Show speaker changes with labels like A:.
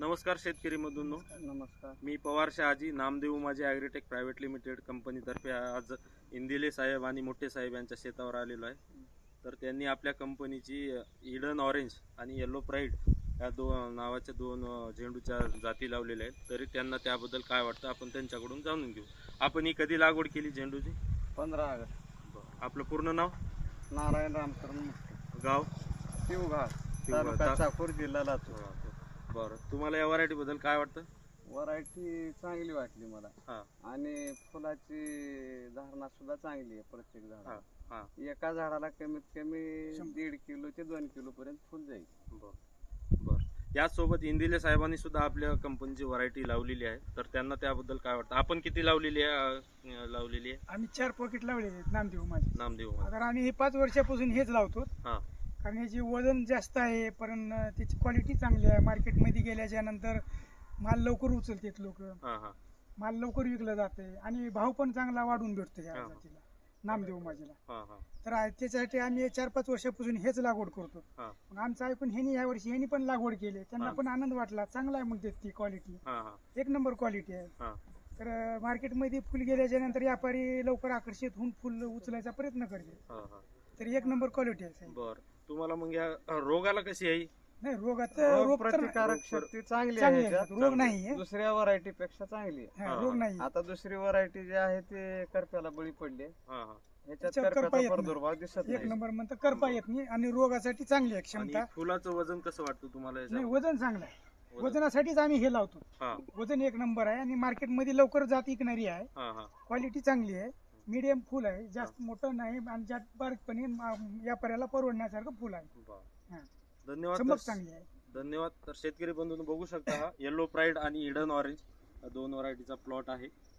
A: नमस्कार शेतकरी बंधूंनो,
B: नमस्कार.
A: मी पवार शहाजी नामदेव माझे ॲग्रीटेक प्रायव्हेट लिमिटेड कंपनीतर्फे आज इंदिले साहेब आणि मोठे साहेब यांच्या शेतावर आलेलो आहे. तर त्यांनी आपल्या कंपनीची इडन ऑरेंज आणि येलो प्राईड या नावाच्या दोन झेंडूच्या जाती लावलेल्या आहेत. तरी त्यांना त्याबद्दल काय वाटतं आपण त्यांच्याकडून जाणून घेऊ. आपण ही कधी लागवड केली झेंडूची?
B: 15 ऑगस्ट.
A: आपलं पूर्ण नाव?
B: नारायण रामकरण मुष्टे,
A: गाव?
B: शिवघाट, तालुका चाकूर, जिल्हा लातूर.
A: बरं, तुम्हाला या व्हरायटीबद्दल काय वाटतं?
B: व्हरायटी चांगली वाटली मला.
A: हां
B: आणि फुलाची धारणा सुद्धा चांगली आहे. प्रत्येक झाडाला
A: हां
B: एका झाडाला कमीत कमी 1.5 किलो ते 2 किलो पर्यंत फुल जाईल.
A: बरं. याचसोबत इंदिले साहेबांनी सुद्धा आपल्या कंपनीची व्हरायटी लावलेली आहे. तर त्यांना त्याबद्दल काय वाटतं? आपण किती लावलेली आहे?
C: आम्ही 4 पॉकेट लावलेले आहेत नामदेव माझे.
A: नामदेव.
C: तर आम्ही हे 5 वर्षापासून हेच लावतो.
A: हां
C: कारण याची वजन जास्त आहे, पण त्याची क्वालिटी चांगली आहे. मार्केटमध्ये गेल्याच्या नंतर माल लवकर उचलतात लोक,
A: हां
C: माल लवकर विकला जाते आणि भाव पण चांगला वाढून भेटतो या
A: हां.
C: जातीला, नामदेव माझीला.
A: हां
C: तर त्याच्यासाठी आम्ही 4-5 वर्षापासून हेच लागवड करतो.
A: हां
C: मग आमचं ऐकून ह्यांनी यावर्षी ह्यांनी पण लागवड केली, त्यांना
A: हां.
C: पण आनंद वाटला. चांगला आहे मग ती क्वालिटी,
A: हां
C: एक नंबर क्वालिटी आहे.
A: हां
C: तर मार्केटमध्ये फुल गेल्याच्या नंतर व्यापारी लवकर आकर्षित होऊन फुल उचलायचा प्रयत्न करते.
A: हां.
C: तर एक नंबर क्वालिटी आहे.
A: बरं, तुम्हाला मग या रोगाला कशी आहे?
C: नाही, रोगात
B: रोग
C: रोग तर
B: प्रतिकारक शक्ती चांगली
C: चांगली
B: आहे.
C: आहे.
B: याच्यात
C: रोग नाही आहे.
B: दुसऱ्या व्हरायटी पेक्षा चांगली आहे.
C: हा, रोग नाही.
B: आता दुसरी व्हरायटी जी आहे ते करप्याला बळी पडली.
A: हां
B: ह्याच्यात
C: त्याच्यात करपा
B: करप्याचा
C: येत नाही.
B: प्रादुर्भाव दिसत
C: एक
B: नाही.
C: नंबर म्हणतात करपा येत नाही आणि रोगासाठी चांगली आहे
A: आणि
C: क्षमता.
A: फुलाचं वजन कसं वाटतं तुम्हाला
C: नाही,
A: याच्यावर?
C: वजन चांगलं आहे. वजनासाठीच आम्ही हे लावतो.
A: हां
C: वजन एक नंबर आहे आणि मार्केटमध्ये लवकर जात विकणारी आहे.
A: हां
C: क्वालिटी चांगली आहे. मीडियम फुल आहे, जास्त मोठं नाही आणि जास्त बारीकपणे व्यापाऱ्याला परवडण्यासारखं फुल आहे.
A: बरं.
C: हां.
A: धन्यवाद.
C: चमक चांगली आहे.
A: धन्यवाद. तर शेतकरी बंधूंनो बघू शकता, हा येलो प्राईड आणि इडन ऑरेंज दोन व्हरायटीचा प्लॉट आहे.